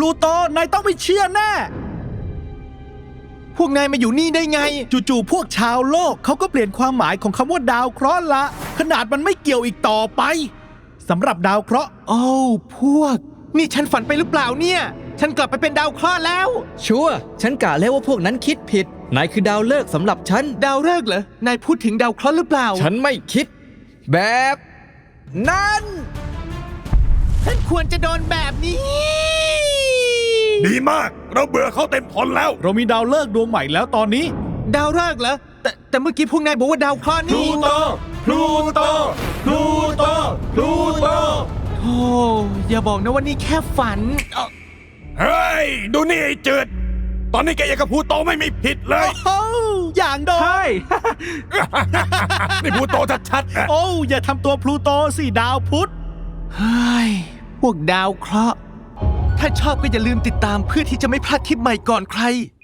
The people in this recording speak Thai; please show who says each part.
Speaker 1: ลูโตนายต้องไม่เชื่อแน่พวกนายมาอยู่นี่ได้ไงจู่ๆพวกชาวโลกเขาก็เปลี่ยนความหมายของคำว่าดาวเคราะห์ละขนาดมันไม่เกี่ยวอีกต่อไปสำหรับดาวเคราะห์โอ้พวกนี่ฉันฝันไปหรือเปล่าเนี่ยฉันกลับไปเป็นดาวเคราะห์แล้ว
Speaker 2: ชัวร์ฉันกะแล้วว่าพวกนั้นคิดผิดนายคือดาวฤกษ์สำหรับฉัน
Speaker 1: ดาวฤกษ์เหรอนายพูดถึงดาวเคราะห์หรือเปล่า
Speaker 2: ฉันไม่คิดแบบนั้น
Speaker 1: ฉันควรจะโดนแบบนี้
Speaker 3: ดีมากเราเบื่อเขาเต็มทนแล้ว
Speaker 1: เรามีดาวฤกษ์ดวงใหม่แล้วตอนนี้ดาวฤกษ์เหรอแต่เมื่อกี้พวกนายบอกว่าดาวเคราะห์นี่พลูโตโอ้อย่าบอกนะว่านี่แค่ฝัน
Speaker 3: เฮ้ยดูนี่ไอ้จืดตอนนี้แกยังกับพูโตไม่มีผิดเลย
Speaker 1: โอ้อย่างโดนใช่
Speaker 3: นี่พูโตชัดๆ
Speaker 1: โอ้อย่าทำตัวพลูโตสิดาวพุธเฮ้ยพวกดาวเคราะห์ถ้าชอบก็อย่าลืมติดตามเพื่อที่จะไม่พลาดคลิปใหม่ก่อนใคร